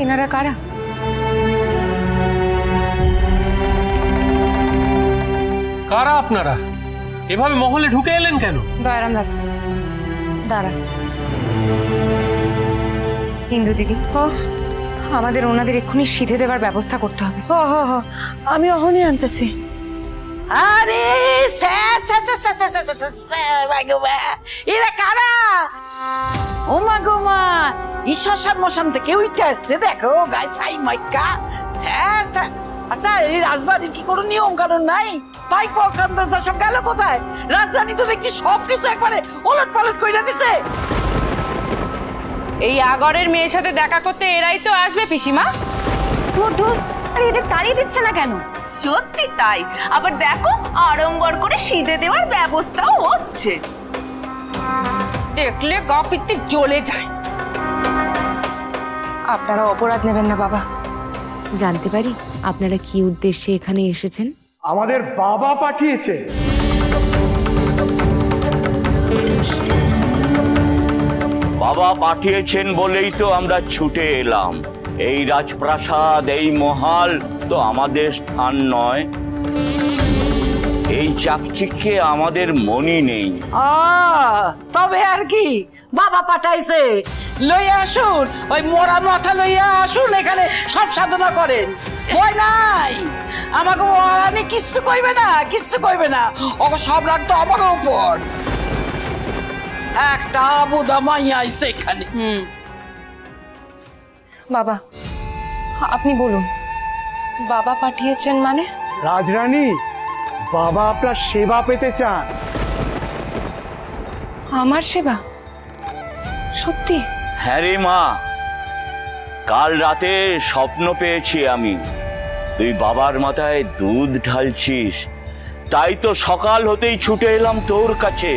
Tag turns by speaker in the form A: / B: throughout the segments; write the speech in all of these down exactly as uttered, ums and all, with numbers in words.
A: এনারা কারা?
B: কারা আপনারা? এভাবে মহলে ঢুকে এলেন কেন?
A: দয়ারাম দাদা দাঁড়া। হিন্দু দিদি, আমাদের ওনাদের এক্ষুনি সিধে দেবার ব্যবস্থা করতে হবে।
C: হ হ হ আমি অহনি আনতেছি।
D: আরে এরা কারা? ও মা গো মা, ই শ্মশান মশান থেকে উইটা আসছে, দেখো গায়ে সাই মাইকা। আচ্ছা এই রাজবাড়ির কি কোনো নিয়ম কানুন নাই? পাইক পরকান্ত সব গেল কোথায়? রাজধানী তো দেখছি সবকিছু একবারে ওলট পালট কইরা দিছে।
E: এই আগরের মেয়ের সাথে দেখা করতে এরাই তো আসবে পিসিমা।
C: ধুর ধুর, আরে এটা তাড়িয়ে দিচ্ছে না কেন?
F: সত্যি তাই, আবার দেখো আড়ম্বর করে সিধে দেওয়ার ব্যবস্থাও হচ্ছে।
E: দেখলে গা পিত্তে জ্বলে যায়।
A: আপনারা অপরাধ নেবেন না বাবা।
G: জানতে পারি আপনারা কি উদ্দেশ্যে এখানে এসেছেন?
H: আমাদের বাবা পাঠিয়েছে।
I: বাবা পাঠিয়েছেন বলেই তো আমরা ছুটে এলাম। এই রাজপ্রাসাদ, এই মহল তো আমাদের স্থান নয়। এই চাকচিক্যে আমাদের মনই নেই।
D: আহ, তবে আর কি, বাবা পাঠাইছে, লইয়া আসুন, ওই মোড়া মাথা লইয়া আসুন, এখানে সব সাধনা করেন। ভয় নাই, আমাকে মহারানী কিচ্ছু কইবে না, কিচ্ছু কইবে না। ওকে সব রাখতো আমার উপর। একটা আবুদা মাইয়া আইছে এখানে।
E: হুম,
A: বাবা আপনি বলুন, বাবা পাঠিয়েছেন মানে?
H: রাজরানী, বাবা আপনার সেবা পেতে চান।
A: আমার সেবা? সত্যি?
I: হ্যাঁ রে মা, কাল রাতে স্বপ্ন পেয়েছি আমি, তুই বাবার মাথায় দুধ ঢালছিস। তাই তো সকাল হতেই ছুটে এলাম তোর কাছে।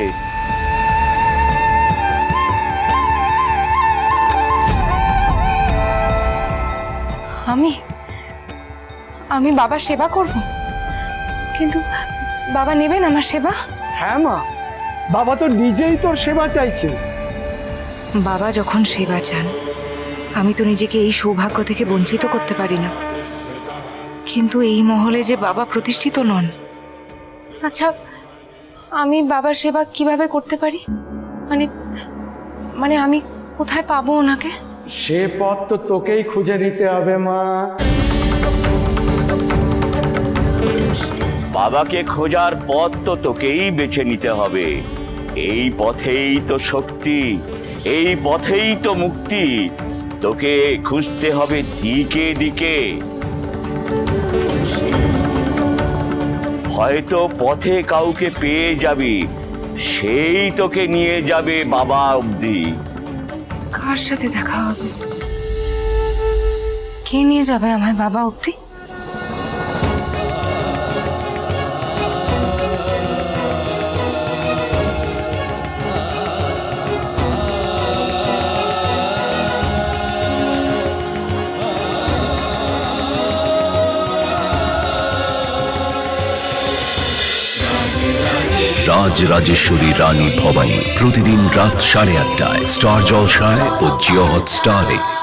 A: আমি আমি বাবার সেবা করব? কিন্তু বাবা নেবেন আমার সেবা?
H: হ্যাঁ মা, বাবা তো নিজেই তোর সেবা চাইছে।
A: বাবা যখন সেবা চান, আমি তো নিজেকে এই সৌভাগ্য থেকে বঞ্চিত করতে পারি না। কিন্তু এই মহলে যে বাবা প্রতিষ্ঠিত নন। আচ্ছা, আমি বাবার সেবা কিভাবে করতে পারি? মানে মানে আমি কোথায় পাবো ওনাকে?
H: সে পথ তো তোকেই খুঁজে নিতে হবে মা।
I: বাবাকে খোঁজার পথ তো তোকেই বেছে নিতে হবে। এই পথেই তো শক্তি, এই পথেই তো মুক্তি। তোকে খুঁজতে হবে দিকে দিকে। হয়তো পথে কাউকে পেয়ে যাবি, সেই তোকে নিয়ে যাবে বাবা অবধি।
A: কার সাথে দেখা হবে? কে নিয়ে যাবে আমায় বাবা অবধি?
J: রাজ রাজেশ্বরী রানী ভবানী প্রতিদিন রাত সাড়ে আটটায় স্টার জলসায় ও জিও হটস্টারে।